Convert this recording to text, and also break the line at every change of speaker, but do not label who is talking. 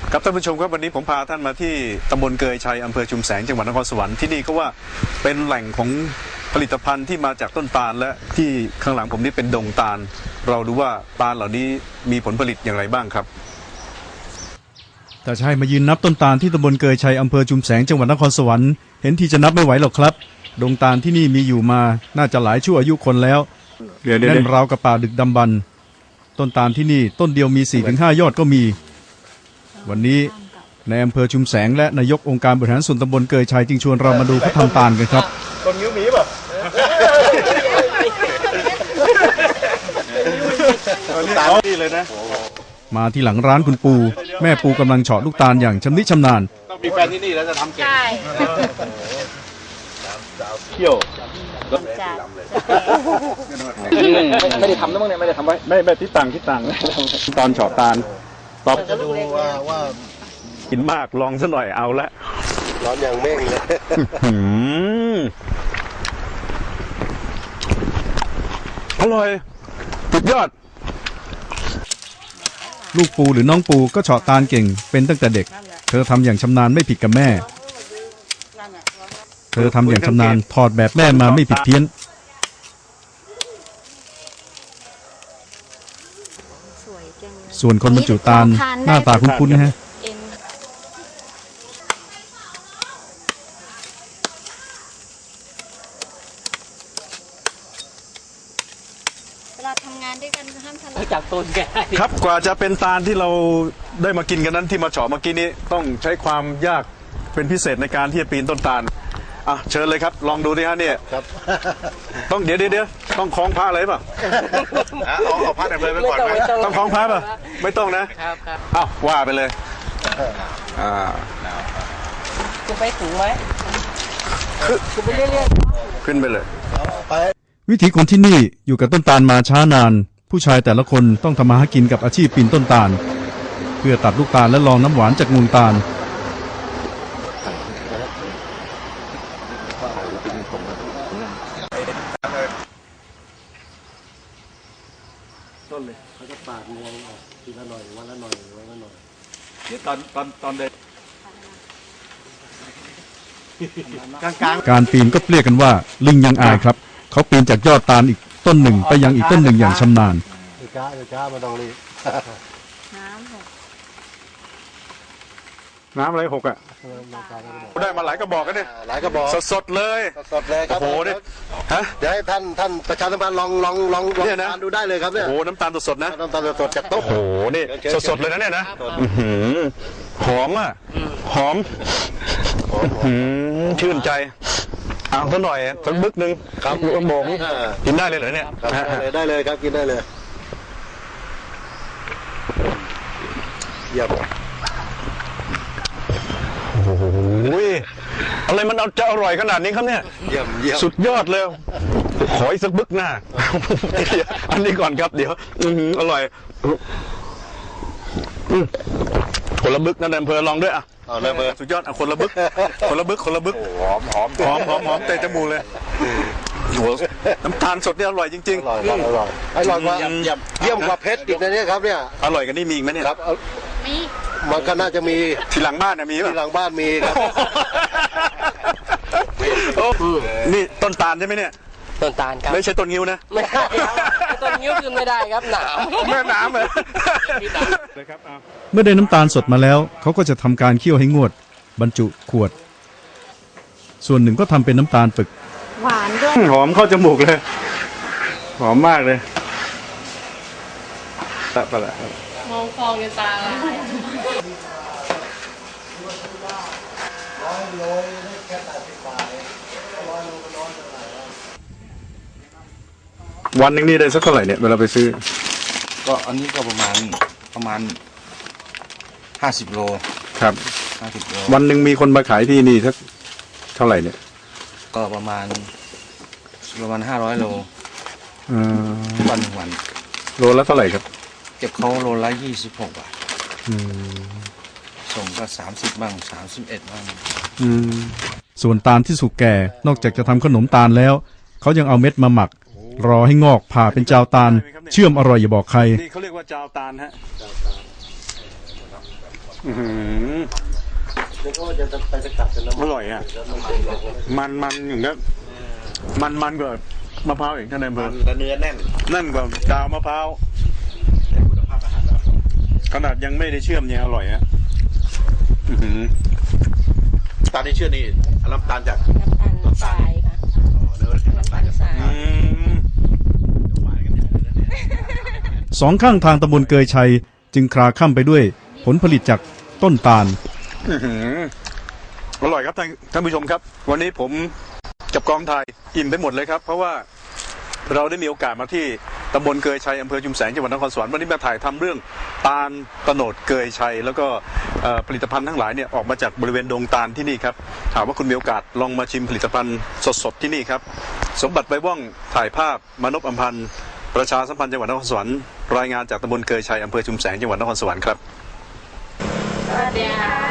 ครับท่านผู้ชมครับวันนี้ผมพาท่านมาที่ตำบลเกยชัยอำเภอชุมแสงจังหวัดนครสวรรค์ที่นี่ก็ว่าเป็นแหล่งของผลิตภัณฑ์ที่มาจากต้นตาลและที่ข้างหลังผมนี่เป็นดงตาลเราดูว่าตาลเหล่านี้มีผลผลิตอย่างไรบ้างครับ
แต่ชายมายืนนับต้นตาลที่ตำบลเกยชัยอำเภอชุมแสงจังหวัดนครสวรรค์เห็นทีจะนับไม่ไหวหรอกครับดงตาลที่นี่มีอยู่มาน่าจะหลายชั่วอายุคนแล้วแน่นราวกับป่าดึกดำบรรพ์ต้นตาลที่นี่ต้นเดียวมี 4-5 ยอดก็มีวันนี้ในอำเภอชุมแสงและนายกองค์การบริหารส่วนตำบลเกยชัยจึงชวนเรามาดูเขาทำตาลกันครับ
ต้นนิ้วมีป่ะตาลนี่เลยนะ
มาที่หลังร้านคุณปูแม่ปูกำลังเฉาะลูกตาลอย่างชำนิชำนาญ
ต้องมีแฟนที่นี่แล้วจะทำเก่ง
ใช่
เที่ยว
ไม่ได้ทำนะมึงเนี่ยไม่ได้ทำไว้
ไม่ที่ต่างตอนเฉาะตาลตอบ
จะดูว่า
กินมากลองซะหน่อยเอาละ
ร้อนอย่างเม่งเลย
อร่อยสุดยอด
ลูกปูหรือน้องปูก็เฉาะตาลเก่งเป็นตั้งแต่เด็กเธอทำอย่างชำนาญไม่ผิดกับแม่เธอทำอย่างชำนาญถอดแบบแม่มาไม่ผิดเพี้ยนส่วนคนบรรจุตาลหน้าตาคุ้นๆนะฮะ
เวลาทำงานด้วยกันห้ามทะเลาะ
จากต้นแก
ครับกว่าจะเป็นตาลที่เราได้มากินกันนั้นที่มาเฉาะเมื่อกี้นี้ต้องใช้ความยากเป็นพิเศษในการที่จะปีนต้นตาลอ่ะเชิญเลยครับลองดูดิฮะเนี่ย
ครับ
ต้องเดี๋ยวต้องคล้องผ้าอะไรป่ะเอาผ้าแบบเลยไปก่อนไหมต้องคล้องผ้าป่ะไม่ต้องนะครับอ้าวว่าไปเลย
คุณไปถึงไหมคุณไปเรื่อย
ๆขึ้นไปเลย
วิถีคนที่นี่อยู่กับต้นตาลมาช้านานผู้ชายแต่ละคนต้องทำมาหากินกับอาชีพปีนต้นตาลเพื่อตัดลูกตาลและลองน้ำหวานจากมูลตาล
ต้นเลยเขาจะปาดงวงออกทีละหน่อยวันละหน่อยวันละหน่อย
เดี๋ยวตอนเด็ก
การปีนก็เรียกกันว่าลิงยังอายครับเขาปีนจากยอดตาลอีกต้นหนึ่งไปยังอีกต้นหนึ่งอย่างชำนาญ
ช้ามาตรงนี้
น้ำอะไรหกอ่ะได้มาหลายกระบอกกันเนี่ย
หลายกระบอก
สดเลย
ครับ
โอ้โหเนี่ยฮะ
เดี๋ยวให้ท่านประชาสัมพันธ์ลองทานดูได้เลยครับเนี่ย
โอ้น้ำตาลสดนะ
น้ำตาลสดจากโต๊ะ
โอ้โหนี่สดเลยนะเนี่ยนะหอมอ่ะหอมชื่นใจเอาสักหน่อยสักบึกหนึ่ง
ครับ
ลูกโป่งกินได้เลยเหรอเนี่ย
ได้เลยครับกินได้เลยเยี่ยม
โอ้โหอะไรมันจะอร่อยขนาดนี้ครับเนี่ย
เยี่ยม
สุดยอดเลยขออีกสักบึกหน้าอันนี้ก่อนครับเดี๋ยวอร่อยคนละบึกนั่นอำเภอลองด้วยอ่ะสุดยอดคนละบึกหอมเตะจมูกเลยน้ำตาลสดนี่อร่อยจริงๆ
อร่อยกว่าเยี่ยมกว่าเพชรอีกนะเนี่ยครับเนี่ย
อร่อยกันนี่มีอีกไหมเนี่ย
ครับมีมันก็น่าจะมี
ที่หลังบ้านมี
ที่หลังบ้านมีครับ
นี่ต้นตาลใช่ไหมเนี่ย
ต้นตาลครับ
ไม่ใช่ต้นงิ้วนะ
ไม่ได้ต้นงิ้วคือไม่ได้ครับหนาม
แม่น้ำเลย
เมื่อได้น้ำตาลสดมาแล้วเขาก็จะทำการเคี่ยวให้งวดบรรจุขวดส่วนหนึ่งก็ทำเป็นน้ำตาลปึก
หวานด้วย
หอมเข้าจมูกเลยหอมมากเลยตะปะละ
มองฟองในตา
วันหนึ่งนี่ได้สักเท่าไหร่เนี่ยเวลาไปซื้อ
ก็อันนี้ก็ประมาณ50 โล
ครับ
50 โล
วันหนึ่งมีคนมาขายที่นี่สักเท่าไหร่เนี่ย
ก็ประมาณ500 โลวัน
โลละเท่าไหร่ครับ
เก็บเขาโลละ26 บาทส่งก็30บ้าง31บ้าง
ส่วนตาลที่สุกแก่นอกจากจะทำขนมตาลแล้วเขายังเอาเม็ดมาหมักรอให้งอกผ่าเป็นจาวตาลเชื่อมอร่อยอย่าบอกใคร
นี่เขาเรียกว่าจาวตาลฮะอื้อหือ
แล้วก็จะไปสกัดเป็นน้ำ
อร่อยอ่ะ มันอย่างนี้มันกว่ามะพร้าวอีกท่านนายอำเภอ
และเนื้อแน่น
นั่นกว่าดาวมะพร้าวขนาดยังไม่ได้เชื่อมยังอร่อยอ่ะอื้อหือ
ตาลที่เชื่อนี่น้ำตาลจาก
น้ำตาลทรายค่ะ
เนื้อน้ำตาลจาก
ทราย
อืม
หวานกันอย่างนั้นเนี่ย
สองข้างทางตำบลเกยชัยจึงคลาคล่ำไปด้วยผลผลิตจากต้นตาล
อื้อหืออร่อยครับท่านผู้ชมครับ วันนี้ผมกับกองถ่ายอิ่มไปหมดเลยครับ เพราะว่าเราได้มีโอกาสมาที่ตำบลเกยชัยอำเภอชุมแสงจังหวัดนครสวรรค์วันนี้มาถ่ายทำเรื่องตาลโตโนดเกยชัยแล้วก็ผลิตภัณฑ์ทั้งหลายเนี่ยออกมาจากบริเวณดงตาลที่นี่ครับถามว่าคุณมีโอกาสลองมาชิมผลิตภัณฑ์สดๆที่นี่ครับสมบัติใบว่องถ่ายภาพมานพอำพันธ์ประชาสัมพันธ์จังหวัดนครสวรรค์รายงานจากตำบลเกยชัยอำเภอชุมแสงจังหวัดนครสวรรค์ครับ
สวัสดีค่ะ